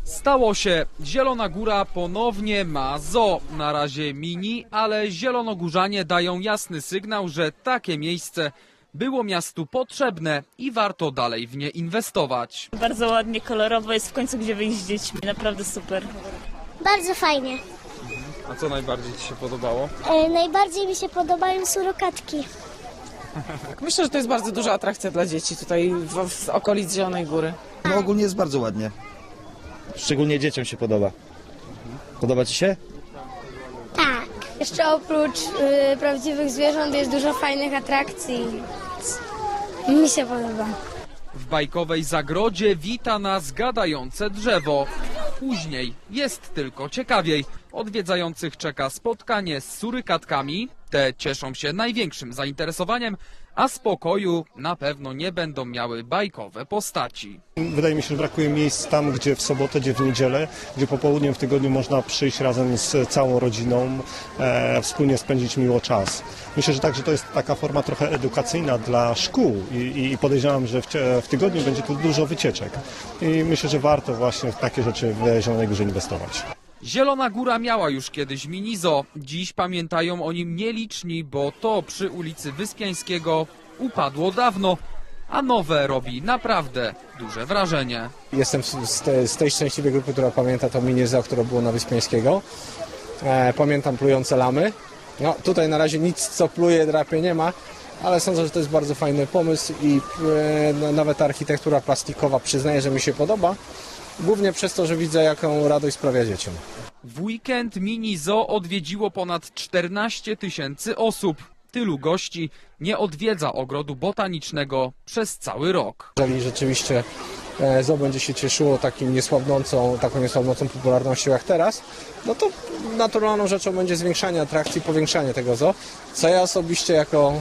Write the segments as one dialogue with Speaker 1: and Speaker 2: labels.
Speaker 1: Stało się. Zielona Góra ponownie ma zoo. Na razie mini, ale zielonogórzanie dają jasny sygnał, że takie miejsce było miastu potrzebne i warto dalej w nie inwestować.
Speaker 2: Bardzo ładnie, kolorowo, jest w końcu gdzie wyjść z dziećmi, naprawdę super.
Speaker 3: Bardzo fajnie.
Speaker 1: A co najbardziej Ci się podobało?
Speaker 3: Najbardziej mi się podobają surokatki.
Speaker 4: Myślę, że to jest bardzo duża atrakcja dla dzieci tutaj w okolic Zielonej Góry.
Speaker 5: No ogólnie jest bardzo ładnie.
Speaker 6: Szczególnie dzieciom się podoba. Podoba Ci się?
Speaker 3: Tak.
Speaker 7: Jeszcze oprócz prawdziwych zwierząt jest dużo fajnych atrakcji. Mi się podoba.
Speaker 1: W bajkowej zagrodzie wita nas gadające drzewo. Później jest tylko ciekawiej. Odwiedzających czeka spotkanie z surykatkami. Te cieszą się największym zainteresowaniem, a spokoju na pewno nie będą miały bajkowe postaci.
Speaker 8: Wydaje mi się, że brakuje miejsc tam, gdzie w sobotę, gdzie w niedzielę, gdzie popołudniem w tygodniu można przyjść razem z całą rodziną, wspólnie spędzić miło czas. Myślę, że także to jest taka forma trochę edukacyjna dla szkół i podejrzewam, że w tygodniu będzie tu dużo wycieczek. I myślę, że warto właśnie w takie rzeczy w Zielonej Górze inwestować.
Speaker 1: Zielona Góra miała już kiedyś mini zoo. Dziś pamiętają o nim nieliczni, bo to przy ulicy Wyspiańskiego upadło dawno, a nowe robi naprawdę duże wrażenie.
Speaker 9: Jestem z tej szczęśliwej grupy, która pamięta to mini zoo, które było na Wyspiańskiego. Pamiętam plujące lamy. No, tutaj na razie nic, co pluje, drapie nie ma, ale sądzę, że to jest bardzo fajny pomysł i nawet ta architektura plastikowa, przyznaję, że mi się podoba. Głównie przez to, że widzę, jaką radość sprawia dzieciom.
Speaker 1: W weekend mini zoo odwiedziło ponad 14 000 osób. Tylu gości nie odwiedza ogrodu botanicznego przez cały rok.
Speaker 9: Jeżeli rzeczywiście zoo będzie się cieszyło taką niesłabnącą popularnością jak teraz, no to naturalną rzeczą będzie zwiększanie atrakcji, powiększanie tego zoo, co ja osobiście jako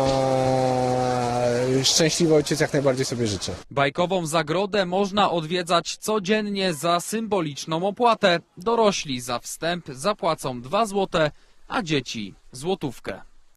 Speaker 9: szczęśliwy ojciec jak najbardziej sobie życzę.
Speaker 1: Bajkową zagrodę można odwiedzać codziennie za symboliczną opłatę. Dorośli za wstęp zapłacą 2 zł, a dzieci złotówkę.